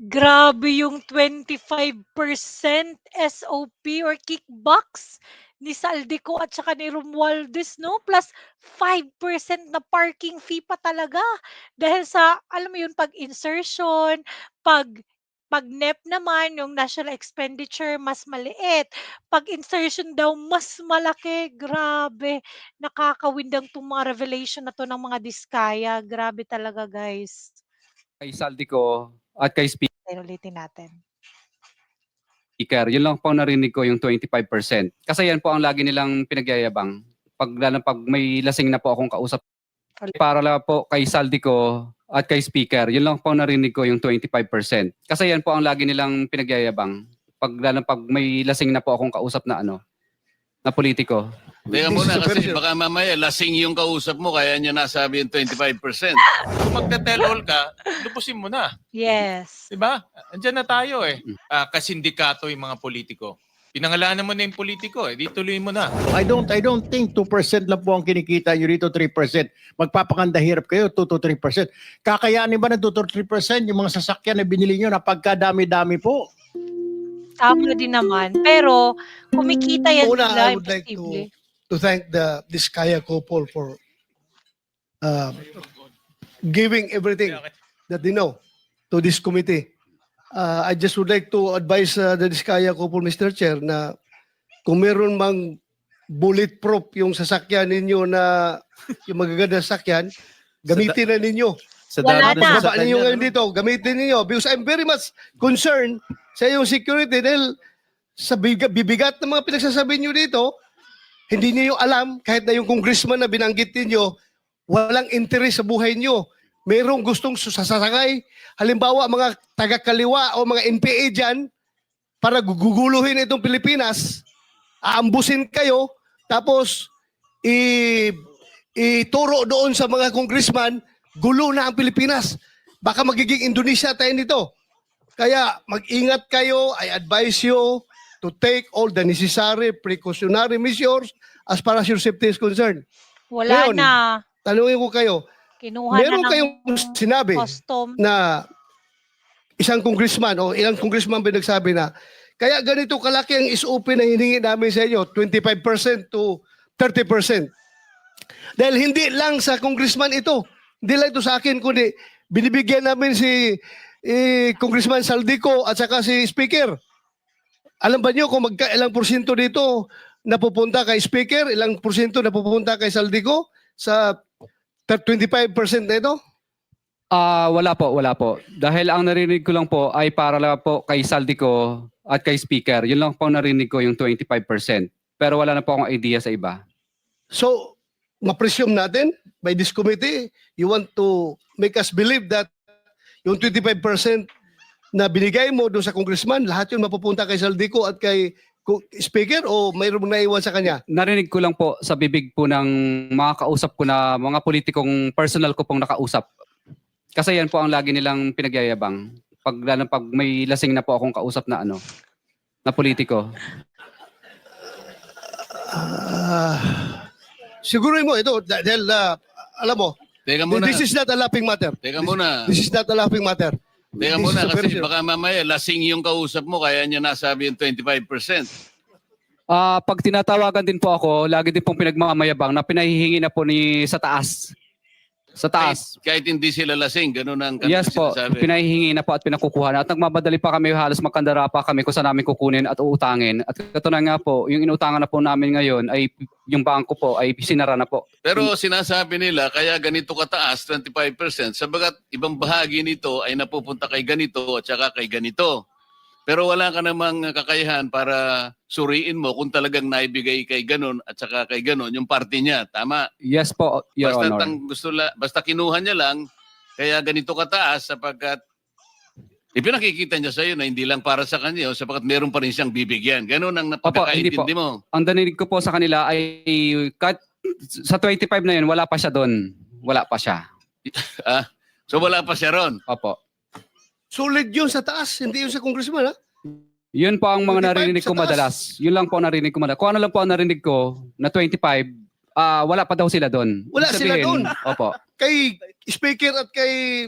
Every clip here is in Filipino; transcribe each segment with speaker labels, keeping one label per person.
Speaker 1: Grabe yung 25% SOP or kickbacks ni Saldico at saka ni Romualdez 'no, plus 5% na parking fee pa talaga. Dahil sa alam mo yun, pag-insertion, pag 'pag NEP naman yung national expenditure mas maliit, 'pag insertion daw mas malaki. Grabe, nakakawindang 'tong mga revelation na 'to ng mga diskaya, grabe talaga guys.
Speaker 2: Kay Saldico at kay
Speaker 1: Ayan, ulitin natin.
Speaker 2: Speaker, yun lang po narinig ko yung 25%. Kasi yan po ang lagi nilang pinagyayabang. Lalo pag may lasing na po akong kausap. Para lang po kay Saldico at kay Speaker, yun lang po narinig ko yung 25%. Kasi yan po ang lagi nilang pinagyayabang. Lalo pag may lasing na po akong kausap na na politiko.
Speaker 3: Teka muna kasi baka mamaya lasing yung kausap mo kaya niya nasabi yung 25%.
Speaker 4: Kung magte-tell all ka, lubusin mo na.
Speaker 1: Yes.
Speaker 4: Diba? Andiyan na tayo eh. Kasindikato yung mga politiko. Pinangalanan mo na yung politiko eh. Di tuloy mo na.
Speaker 5: I don't think 2% lang po ang kinikita nyo dito, 3%. Magpapakanda hirap kayo, 2 to 3%. Kakayanin ba ng 2 to 3% yung mga sasakyan na binili nyo na pagkadami-dami po?
Speaker 1: Tama din naman. Pero kumikita yan
Speaker 6: Una,
Speaker 1: sila,
Speaker 6: I would like
Speaker 1: imposible.
Speaker 6: to thank the Diskaya couple for giving everything that they know to this committee. I just would like to advise the Diskaya couple, Mr. Chair, na kung meron mang bulletproof yung sasakyan ninyo na yung magaganda sasakyan, gamitin na ninyo.
Speaker 1: Wala na.
Speaker 6: Baba ninyo ngayon dito, gamitin ninyo. Because I'm very much concerned sa iyong security dahil sa bibigat ng mga pinagsasabi nyo dito, hindi niyo alam, kahit na yung congressman na binanggit niyo, walang interes sa buhay niyo. Merong gustong sasakay. Halimbawa, mga taga-kaliwa o mga NPA dyan, para guguluhin itong Pilipinas, aambusin kayo, tapos ituro doon sa mga congressman, gulo na ang Pilipinas. Baka magiging Indonesia tayo nito. Kaya mag-ingat kayo, I advise you to take all the necessary precautionary measures as far as your safety is concerned.
Speaker 1: Wala
Speaker 6: Ngayon,
Speaker 1: na.
Speaker 6: Tanungin ko kayo,
Speaker 1: Kinuha
Speaker 6: meron
Speaker 1: na ng
Speaker 6: kayong sinabi
Speaker 1: custom.
Speaker 6: na isang congressman o ilang congressman ba nagsabi na kaya ganito kalaki ang SOP na hiningi namin sa inyo, 25% to 30%. Dahil hindi lang sa congressman ito, hindi lang ito sa akin, kundi binibigyan namin si Congressman Saldico at saka si Speaker. Alam ba niyo kung ilang porsyento dito napupunta kay Speaker, ilang porsyento napupunta kay Saldico sa 25% na ito?
Speaker 2: Wala po. Dahil ang narinig ko lang po ay para lang po kay Saldico at kay Speaker. Yun lang po narinig ko yung 25%. Pero wala na po akong idea sa iba.
Speaker 6: So, ma-presume natin by this committee, you want to make us believe that yung 25% na binigay mo doon sa congressman, lahat yun mapupunta kay Saldico at kay Speaker o mayroong naiwan sa kanya?
Speaker 2: Narinig ko lang po sa bibig po ng mga kausap ko na mga politikong personal ko pong nakausap. Kasi yan po ang lagi nilang pinagyayabang. Lalo pag may lasing na po akong kausap na na politiko.
Speaker 6: Siguro mo ito dahil alam mo,
Speaker 3: Teka muna.
Speaker 6: this is not a laughing matter.
Speaker 3: Teka muna.
Speaker 6: This is not a laughing matter.
Speaker 3: Teka
Speaker 6: This
Speaker 3: muna
Speaker 6: is a very
Speaker 3: kasi baka mamaya lasing yung kausap mo kaya niya nasabi yung 25%.
Speaker 2: Pag tinatawagan din po ako, lagi din pong pinagmamayabang na pinahihingi na po sa taas. Sa taas.
Speaker 3: Kahit hindi sila lasing, ganun ang
Speaker 2: Yes po,
Speaker 3: sinasabi.
Speaker 2: pinahihingi na po at pinakukuha na. At nagmamadali pa kami, halos magkandara pa kami kung saan namin kukunin at uutangin. At katunayan nga po, yung inutangan na po namin ngayon ay yung bangko po ay sinara na po.
Speaker 3: Pero sinasabi nila, kaya ganito kataas, 25%, sabagat ibang bahagi nito ay napupunta kay ganito at saka kay ganito. Pero wala ka namang kakayahan para suriin mo kung talagang naibigay kay ganon at saka kay ganon yung party niya. Tama?
Speaker 2: Yes po, Your
Speaker 3: Basta,
Speaker 2: Honor.
Speaker 3: basta kinuha niya lang, kaya ganito kataas sapagkat ipinakikita niya sa iyo na hindi lang para sa kanya, sapagkat meron pa rin siyang bibigyan. Ganon ang napagkakaintindi mo.
Speaker 2: Ang narinig ko po sa kanila ay sa 25 na yun, wala pa siya doon. Wala pa siya.
Speaker 3: So wala pa siya ron.
Speaker 2: Opo.
Speaker 6: Solid yun sa taas, hindi yun sa congressman, ha?
Speaker 2: Yun po ang mga
Speaker 6: 25
Speaker 2: narinig ko
Speaker 6: sa taas.
Speaker 2: madalas. Yun lang po ang narinig ko madalas. Kung ano lang po ang narinig ko na 25, wala pa daw sila doon.
Speaker 6: Wala
Speaker 2: Ibig
Speaker 6: sila
Speaker 2: sabihin,
Speaker 6: doon.
Speaker 2: Opo.
Speaker 6: Kay Speaker at kay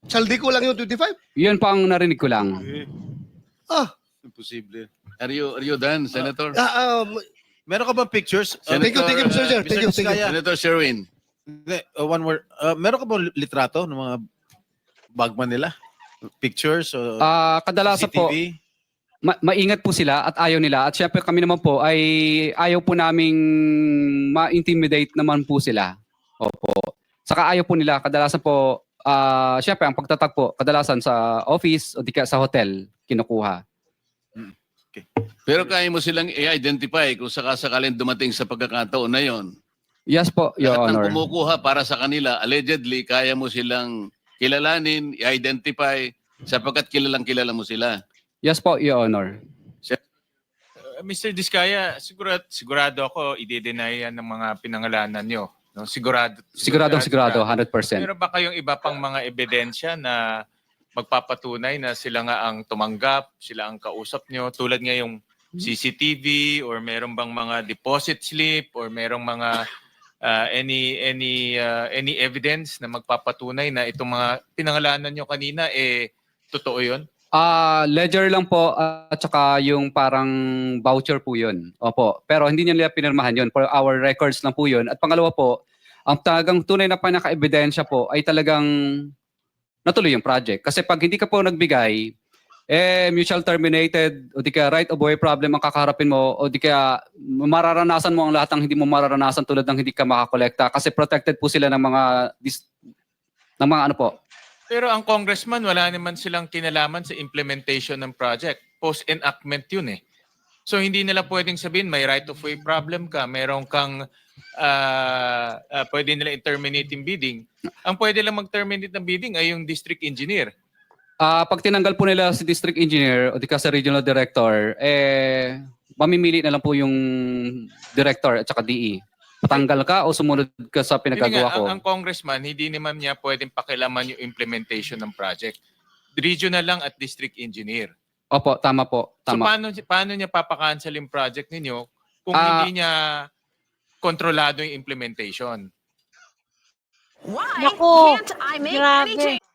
Speaker 6: Saldi ko lang yung 25?
Speaker 2: Yun po ang narinig ko lang.
Speaker 6: Ah,
Speaker 3: Imposible. Are you done, Senator?
Speaker 7: Meron ka bang pictures?
Speaker 6: thank you, Mr. Chair. Thank you, thank you.
Speaker 7: Diskaya,
Speaker 3: Senator Sherwin.
Speaker 7: one word. Meron ka bang litrato ng mga bagman nila? Pictures?
Speaker 2: Kadalasan po,
Speaker 7: CCTV?
Speaker 2: maingat po sila at ayaw nila. At syempre kami naman po ay ayaw po naming ma-intimidate naman po sila. Opo. Saka ayaw po nila. Kadalasan po, syempre ang pagtatag po, kadalasan sa office o di kaya sa hotel, kinukuha.
Speaker 3: Pero kaya mo silang i-identify kung sakasakaling dumating sa pagkakataon na yon.
Speaker 2: Yes po, Your
Speaker 3: Lahat ng
Speaker 2: Honor.
Speaker 3: kumukuha para sa kanila, allegedly, kaya mo silang kilalanin, i-identify, sapagkat kilala mo sila.
Speaker 2: Yes po, Your Honor.
Speaker 4: Mr. Diskaya, sigurado ako i-deny yan ng mga pinangalanan nyo. No? Sigurado.
Speaker 2: 100%.
Speaker 4: Meron ba kayong iba pang mga ebidensya na magpapatunay na sila nga ang tumanggap, sila ang kausap nyo, tulad nga yung CCTV or meron bang mga deposit slip or merong mga any evidence na magpapatunay na itong mga pinangalanan nyo kanina totoo 'yon?
Speaker 2: Ledger lang po at saka yung parang voucher po yun. Opo. Pero hindi nila pinirmahan yun. For our records lang po yun. At pangalawa po, ang talagang tunay na pinaka-ebidensya po ay talagang natuloy yung project. Kasi pag hindi ka po nagbigay, mutual terminated o di kaya right of way problem ang kakaharapin mo o di kaya mararanasan mo ang lahat ng hindi mo mararanasan tulad ng hindi ka makakolekta kasi protected po sila ng mga ano po.
Speaker 4: Pero ang congressman, wala naman silang kinalaman sa implementation ng project. Post-enactment yun eh. So hindi nila pwedeng sabihin may right of way problem ka, meron kang pwede nila i-terminate yung bidding. Ang pwede lang mag-terminate ng bidding ay yung district engineer.
Speaker 2: Pag tinanggal po nila si district engineer o di ka sa regional director, mamimili na lang po yung director at saka DE. Patanggal ka o sumunod ka sa pinagagawa ko?
Speaker 4: Ang congressman, hindi naman niya pwedeng pakilaman yung implementation ng project. Regional lang at district engineer.
Speaker 2: Opo, tama po. Tama.
Speaker 4: So paano niya papakancel yung project ninyo kung hindi niya kontrolado yung implementation?
Speaker 8: Why
Speaker 1: Nako,
Speaker 8: can't I make any
Speaker 1: grabe.
Speaker 8: change?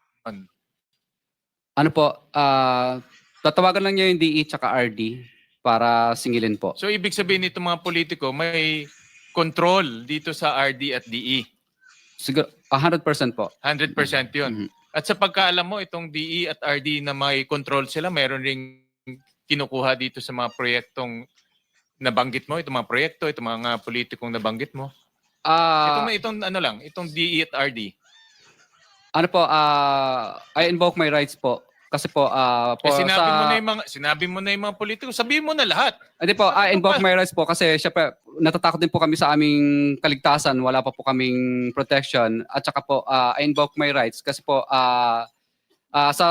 Speaker 2: Ano po, tatawagan lang niya yung DE tsaka RD para singilin po.
Speaker 4: So ibig sabihin nito mga politiko, may control dito sa RD at DE.
Speaker 2: Siguro, 100% po.
Speaker 4: 100% yun.
Speaker 2: Mhm.
Speaker 4: At sa pagkaalam mo, itong DE at RD na may control sila, meron ring kinukuha dito sa mga proyektong nabanggit mo, itong mga proyekto, itong mga politikong nabanggit mo. Itong DE at RD.
Speaker 2: Ano po, I invoke my rights po. Kasi po,
Speaker 4: Sinabi mo na yung mga politiko, sabihin mo na lahat.
Speaker 2: Hindi po, I invoke my rights po kasi syempre natatakot din po kami sa aming kaligtasan. Wala pa po kaming protection. At saka po, I invoke my rights kasi po sa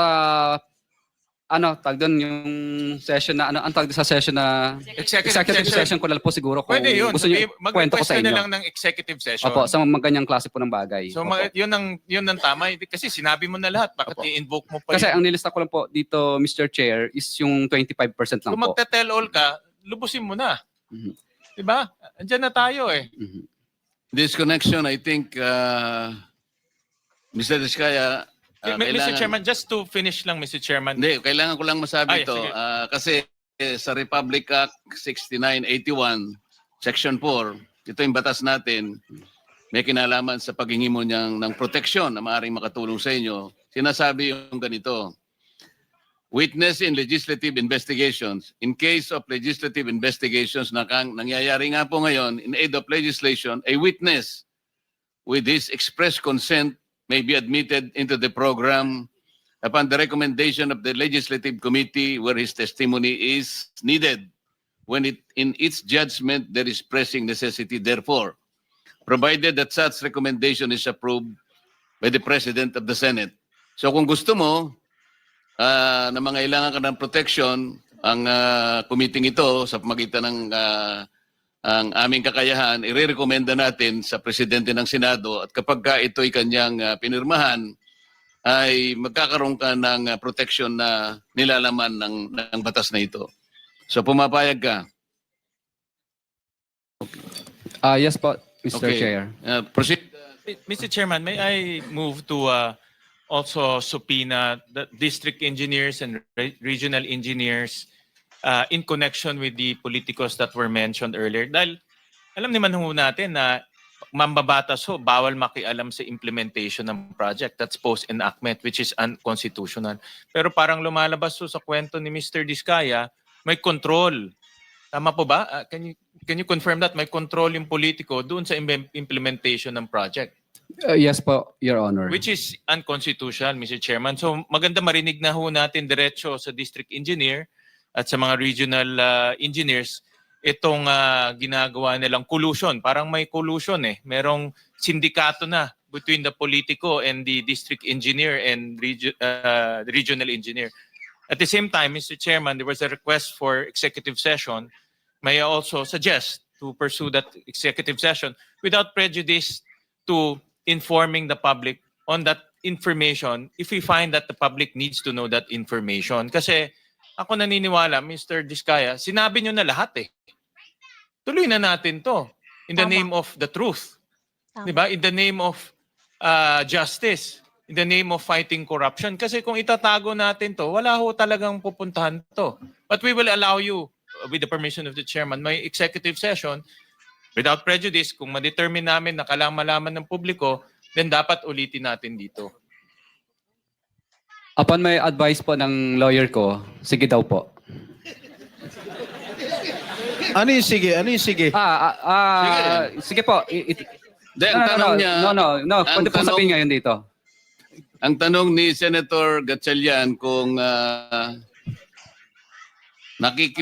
Speaker 2: tag doon yung session na ang tag sa session na executive session ko na po siguro kung
Speaker 4: Pwede yun.
Speaker 2: gusto niyo kwento ko
Speaker 4: Mag-request
Speaker 2: sa
Speaker 4: ka na
Speaker 2: inyo.
Speaker 4: lang ng executive session.
Speaker 2: Opo, sa mga ganyang klase po ng bagay.
Speaker 4: So
Speaker 2: Opo.
Speaker 4: yun ang tama. Kasi sinabi mo na lahat. Bakit
Speaker 2: Opo.
Speaker 4: i-invoke mo pa
Speaker 2: Kasi
Speaker 4: yun?
Speaker 2: ang nilista ko lang po dito, Mr. Chair, is yung 25% lang
Speaker 4: Kung
Speaker 2: po.
Speaker 4: magte-tell all ka, lubusin mo na.
Speaker 2: Mhm.
Speaker 4: Diba? Andiyan na tayo eh.
Speaker 2: Mhm.
Speaker 3: This connection, I think, Mr. Diskaya,
Speaker 4: Mr. Chairman, just to finish lang, Mr. Chairman.
Speaker 3: Hindi, kailangan ko lang masabi
Speaker 4: Ay,
Speaker 3: ito.
Speaker 4: sige.
Speaker 3: Kasi sa Republic Act 6981, Section 4, ito yung batas natin, may kinalaman sa paghingi mo ng proteksyon na maaaring makatulong sa inyo. Sinasabi yung ganito, witness in legislative investigations. In case of legislative investigations na nangyayari nga po ngayon, in aid of legislation, a witness with his express consent may be admitted into the program upon the recommendation of the legislative committee where his testimony is needed when in its judgment there is pressing necessity therefore, provided that such recommendation is approved by the President of the Senate. So kung gusto mo na mangailangan ka ng protection, ang committee ito sa pamagitan ng ang aming kakayahan, irerekomenda natin sa Presidente ng Senado at kapag ito'y kanyang pinirmahan, ay magkakaroon ka ng protection na nilalaman ng batas na ito. So pumapayag ka.
Speaker 2: Yes po, Mr.
Speaker 3: Okay.
Speaker 2: Chair.
Speaker 3: Proceed.
Speaker 4: Mr. Chairman, may I move to also subpoena the district engineers and regional engineers in connection with the politicos that were mentioned earlier. Dahil alam naman ho natin na mambabatas ho, bawal makialam sa implementation ng project. That's post-enactment, which is unconstitutional. Pero parang lumalabas ho sa kwento ni Mr. Diskaya, may control. Tama po ba? Can you confirm that? May control yung politiko doon sa implementation ng project.
Speaker 2: Yes po, Your Honor.
Speaker 4: Which is unconstitutional, Mr. Chairman. So maganda marinig na ho natin diretso sa district engineer at sa mga regional engineers itong ginagawa nilang collusion. Parang may collusion eh. Merong sindikato na between the politico and the district engineer and regional engineer. At the same time, Mr. Chairman, there was a request for executive session. May I also suggest to pursue that executive session without prejudice to informing the public on that information if we find that the public needs to know that information. Kasi ako naniniwala, Mr. Diskaya, sinabi nyo na lahat eh. Tuloy na natin to in the
Speaker 1: Tama.
Speaker 4: name of the truth.
Speaker 1: Tama.
Speaker 4: Diba? In the name of justice. In the name of fighting corruption. Kasi kung itatago natin to, wala ho talagang pupuntahan to. But we will allow you, with the permission of the chairman, may executive session without prejudice. Kung ma-determine namin na kailangan malaman ng publiko, then dapat ulitin natin dito.
Speaker 2: Upon may advice po ng lawyer ko, sige daw po.
Speaker 7: Ano yung sige? Ano yung sige?
Speaker 2: Sige po.
Speaker 3: Then, ang tanong niya,
Speaker 2: No.
Speaker 3: ang
Speaker 2: Pwede po
Speaker 3: tanong-
Speaker 2: sabihin ngayon dito.
Speaker 3: ang tanong ni Senator Gatchalian kung nakikip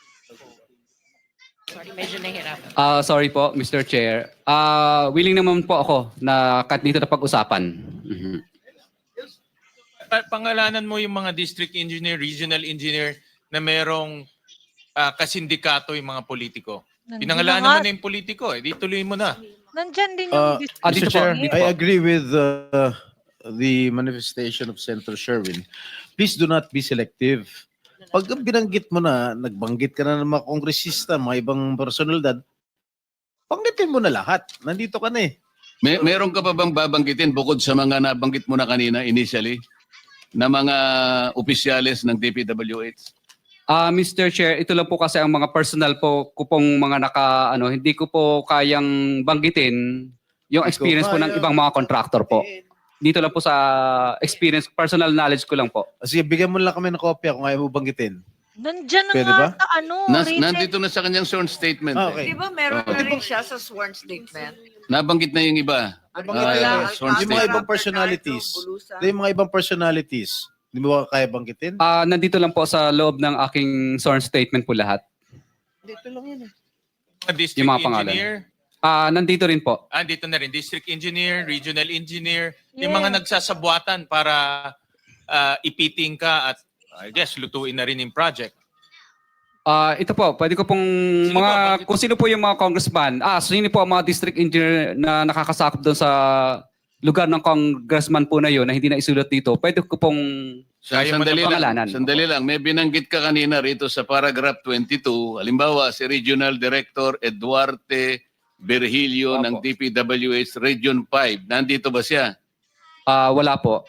Speaker 8: Sorry, medyo nahirapan.
Speaker 2: Sorry po, Mr. Chair. Willing naman po ako na kahit dito na pag-usapan. Mhm.
Speaker 4: Pangalanan mo yung mga district engineer, regional engineer na merong kasindikato yung mga politiko.
Speaker 1: Nandun
Speaker 4: Pinangalanan
Speaker 1: na
Speaker 4: mo
Speaker 1: nga.
Speaker 4: na yung politiko eh. Di tuloy mo na.
Speaker 1: Nandyan din yung
Speaker 2: Ah, dito
Speaker 7: Mr.
Speaker 2: po,
Speaker 7: Chair,
Speaker 2: dito
Speaker 7: I
Speaker 2: po.
Speaker 7: agree with the manifestation of Senator Sherwin. Please do not be selective. Pag binanggit mo na, nagbanggit ka na ng mga kongresista, mga ibang personalidad, banggitin mo na lahat. Nandito ka na eh.
Speaker 3: meron ka pa bang babanggitin bukod sa mga nabanggit mo na kanina initially na mga opisyales ng DPWH?
Speaker 2: Mr. Chair, ito lang po kasi ang mga personal po ko pong mga hindi ko po kayang banggitin yung experience po ng
Speaker 7: kaya.
Speaker 2: ibang mga contractor po. Dito lang po sa experience, personal knowledge ko lang po.
Speaker 7: Sige, bigyan mo lang kami ng kopya kung ayaw mo banggitin.
Speaker 1: Nandyan na
Speaker 7: Pwede
Speaker 1: nga
Speaker 7: ba?
Speaker 1: sa written.
Speaker 3: Nandito na sa kanyang sworn statement.
Speaker 7: Okay.
Speaker 8: Di ba meron
Speaker 3: Oo.
Speaker 8: na rin siya sa sworn statement?
Speaker 3: Nabanggit na yung iba.
Speaker 7: Nabanggit
Speaker 3: na
Speaker 7: yun.
Speaker 3: sworn
Speaker 7: Yung mga
Speaker 3: statement.
Speaker 7: ibang personalities. Yung mga ibang personalities. Hindi mo ba kaya banggitin?
Speaker 2: Nandito lang po sa loob ng aking sworn statement po lahat.
Speaker 7: Dito lang yun eh.
Speaker 4: Mga district
Speaker 2: Yung mga pangalan.
Speaker 4: engineer,
Speaker 2: Nandito rin po.
Speaker 4: dito na rin, district engineer, regional engineer, yung
Speaker 1: Yeah.
Speaker 4: mga nagsasabuatan para ipiting ka at I guess lutuin na rin yung project.
Speaker 2: Ito po, pwede ko pong
Speaker 4: Sino po? Bakit?
Speaker 2: kung sino po yung mga congressman. Sino po ang mga district engineer na nakakasakop doon sa lugar ng congressman po na yun na hindi na isulat dito. Pwede ko pong pangalanan.
Speaker 3: Sandali lang. May binanggit ka kanina rito sa paragraph 22. Halimbawa, si Regional Director Eduarte Virgilio
Speaker 2: Opo.
Speaker 3: ng DPWH Region 5. Nandito ba siya?
Speaker 2: wala po.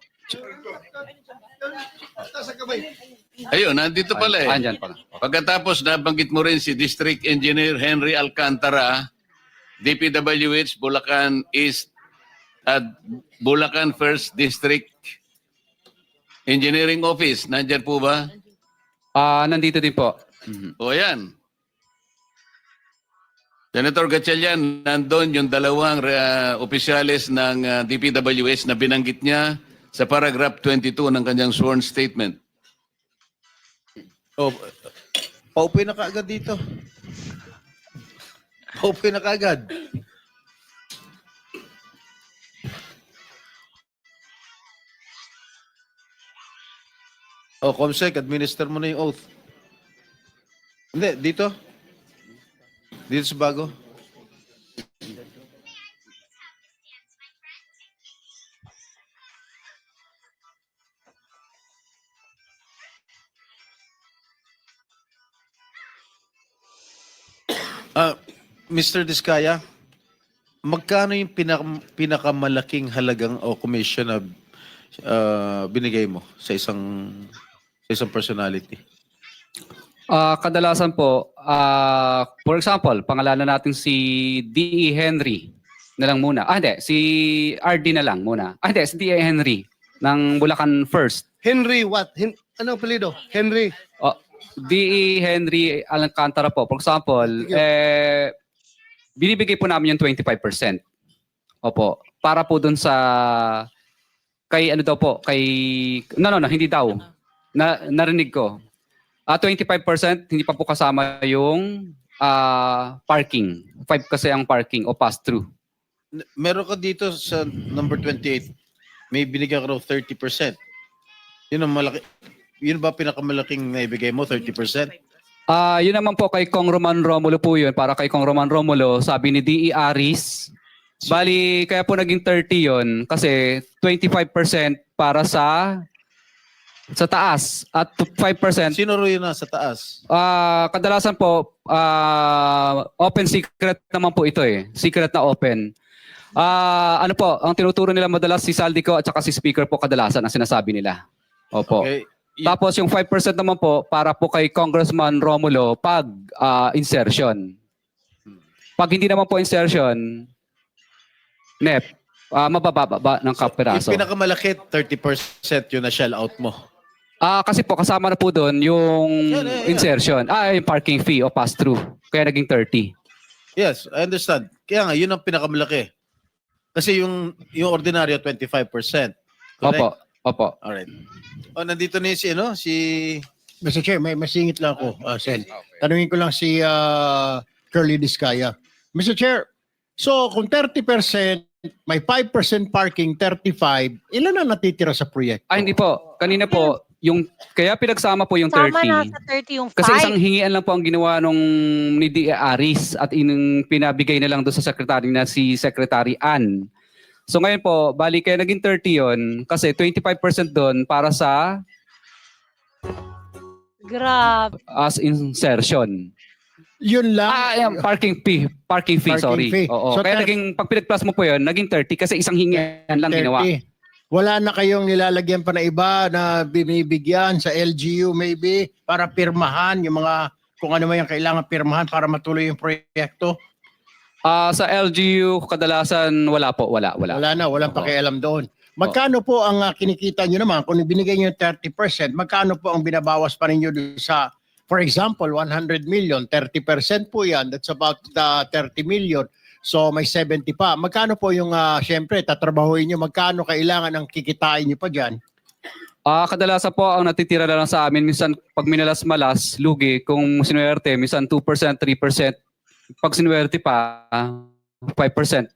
Speaker 3: Ayun, nandito pala eh.
Speaker 2: Andyan pala.
Speaker 3: Pagkatapos nabanggit mo rin si District Engineer Henry Alcantara, DPWH Bulacan East at Bulacan First District Engineering Office. Nandyan po ba?
Speaker 2: Nandito din po. Mhm.
Speaker 3: O yan. Senator Gatchalian, nandun yung dalawang opisyales ng DPWH na binanggit niya sa paragraph 22 ng kanyang sworn statement.
Speaker 7: Oh, paupoy na kaagad dito. Paupoy na kaagad. Comsec, administer mo na yung oath. Hindi, dito. Dito sa bago. Mr. Diskaya, magkano yung pinakamalaking halagang o commission na binigay mo sa isang personality?
Speaker 2: Kadalasan po, for example, pangalanan natin si D.E. Henry na lang muna. Hindi, si RD na lang muna. Hindi, si D.E. Henry ng Bulacan First.
Speaker 6: Henry what? Ano apelido? Henry.
Speaker 2: D.E. Henry Alcantara po, for example, binibigay po namin yung 25%. Opo, para po dun sa kay ano daw po, kay no, hindi daw. Narinig ko. 25% hindi pa po kasama yung parking. 5 kasi ang parking o pass-through.
Speaker 7: Meron ka dito sa number 28, may binigyan ka raw 30%. Yun ang malaki. Yun ba pinakamalaking naibigay mo, 30%?
Speaker 2: Yun naman po kay Kong Roman Romulo po yun. Para kay Kong Roman Romulo, sabi ni D.E. Aris, bali kaya po naging 30 yun kasi 25% para sa taas at 5%.
Speaker 7: Sino ro yun nasa taas?
Speaker 2: Kadalasan po, open secret naman po ito eh. Secret na open. Ano po, ang tinuturo nila madalas si Saldico at saka si Speaker po kadalasan ang sinasabi nila. Opo.
Speaker 7: Okay.
Speaker 2: Tapos yung 5% naman po para po kay Congressman Romulo pag insertion. Pag hindi naman po insertion, NEP, mabababa ng kapiraso.
Speaker 7: Yung pinakamalaki, 30% yun na shell out mo.
Speaker 2: Kasi po kasama na po doon yung
Speaker 7: Yeah.
Speaker 2: insertion. Yung parking fee o pass-through. Kaya naging 30.
Speaker 7: Yes, I understand. Kaya nga, yun ang pinakamalaki. Kasi yung ordinaryo, 25%. Correct?
Speaker 2: Opo.
Speaker 7: Alright. Nandito na yung si
Speaker 5: Mr. Chair, may masingit lang ako, Sen. Tanungin ko lang si Curly Discaya. Mr. Chair, so kung 30%, may 5% parking, 35%, ilan na natitira sa proyekto?
Speaker 2: Hindi po. Kanina po, kaya pinagsama po yung
Speaker 1: Sama
Speaker 2: 30.
Speaker 1: na sa 30 yung 5.
Speaker 2: Kasi isang hingian lang po ang ginawa ni D. Aris at pinabigay na lang doon sa secretary na si Secretary Ann. So ngayon po, bali kaya naging 30 yun kasi 25% doon para sa
Speaker 1: Grabe.
Speaker 2: as insertion.
Speaker 5: Yun lang.
Speaker 2: Yung parking fee, sorry.
Speaker 5: fee.
Speaker 2: Oo.
Speaker 5: So,
Speaker 2: Kaya pag pinag-plus mo po yun, naging 30 kasi isang hingian lang
Speaker 5: 30.
Speaker 2: ginawa.
Speaker 5: Wala na kayong nilalagyan pa na iba na binibigyan sa LGU maybe para pirmahan yung mga kung ano man yung kailangan pirmahan para matuloy yung proyekto?
Speaker 2: Sa LGU, kadalasan wala po. Wala.
Speaker 5: Wala na, walang
Speaker 2: Oo.
Speaker 5: pakialam doon. Magkano po ang kinikita nyo naman kung binigay nyo yung 30%, magkano po ang binabawas pa ninyo doon sa, for example, 100 million, 30% po yan, that's about 30 million. So may 70 pa. Magkano po yung, syempre, tatrabahuin nyo, magkano kailangan ang kikitain nyo pa dyan?
Speaker 2: Kadalasan po ang natitira na lang sa amin, minsan pag minalas-malas, lugi, kung sinuwerte, minsan 2%, 3%. Pag sinuwerte pa, 5%.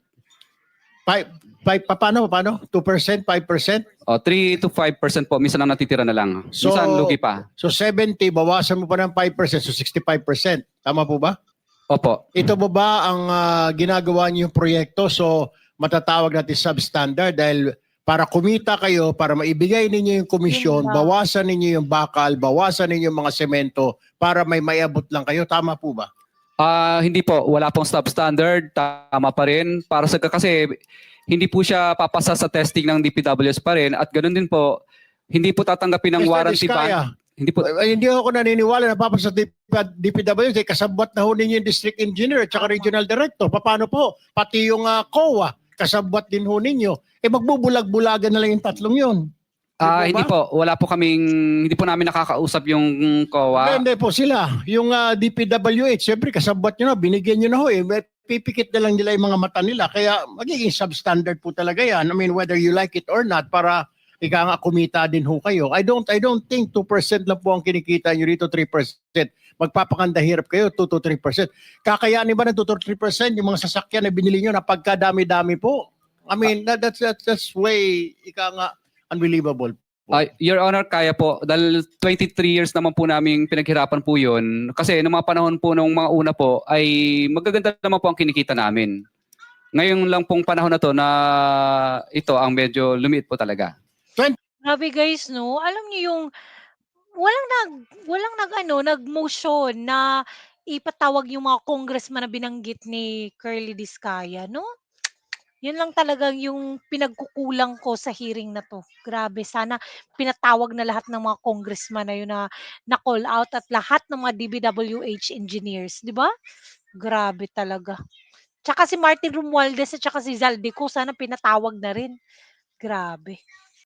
Speaker 5: Paano? 2%, 5%?
Speaker 2: 3 to 5% po, minsan ang natitira na lang.
Speaker 5: So-
Speaker 2: Minsan lugi pa.
Speaker 5: So 70, bawasan mo pa ng 5%, so 65%. Tama po ba?
Speaker 2: Opo.
Speaker 5: Ito ba ang ginagawa niyo yung proyekto? So matatawag natin substandard dahil para kumita kayo, para maibigay ninyo yung komisyon,
Speaker 1: Yun ba?
Speaker 5: bawasan ninyo yung bakal, bawasan ninyo yung mga semento para may mayabot lang kayo. Tama po ba?
Speaker 2: Hindi po, wala pong substandard, tama pa rin. Kasi hindi po siya papasa sa testing ng DPWS pa rin at ganoon din po, hindi po tatanggapin ng
Speaker 5: Mr.
Speaker 2: warranty
Speaker 5: Diskaya,
Speaker 2: ban. Hindi po.
Speaker 5: Hindi ako naniniwala na papasa sa DPWS, kasabwat na ho ninyo yung district engineer at saka regional director. Paano po? Pati yung COA, kasabwat din ho ninyo. Magbubulag-bulagan na lang yung tatlong yun.
Speaker 2: Hindi po, wala po hindi po namin nakakausap yung COA.
Speaker 5: Hindi po sila. Yung DPWH, siyempre kasabwat nyo na, binigyan nyo na ho eh. Pipikit na lang nila yung mga mata nila. Kaya magiging substandard po talaga yan. I mean, whether you like it or not, para ika nga kumita din ho kayo. I don't think 2% lang po ang kinikita nyo dito, 3%. Magpapakanda hirap kayo, 2 to 3%. Kakayanin ba ng 2 to 3% yung mga sasakyan na binili nyo na pagkadami-dami po? I mean, that's way, ika nga, unbelievable.
Speaker 2: Your Honor, kaya po. Dahil 23 years naman po namin pinaghirapan po yun. Kasi noong mga panahon po nung mga una po, ay magaganda naman po ang kinikita namin. Ngayon lang pong panahon na to na ito ang medyo lumiit po talaga.
Speaker 1: Grabe guys, no? Alam niyo yung walang nag-motion na ipatawag yung mga congressman na binanggit ni Curly Discaya, no? Yun lang talagang yung pinagkukulang ko sa hearing na 'to. Grabe, sana pinatawag na lahat ng mga congressman na yun na na-call out at lahat ng mga DPWH engineers, 'di ba? Grabe talaga. Tsaka si Martin Romualdez at tsaka si Zaldico sana pinatawag na rin. Grabe.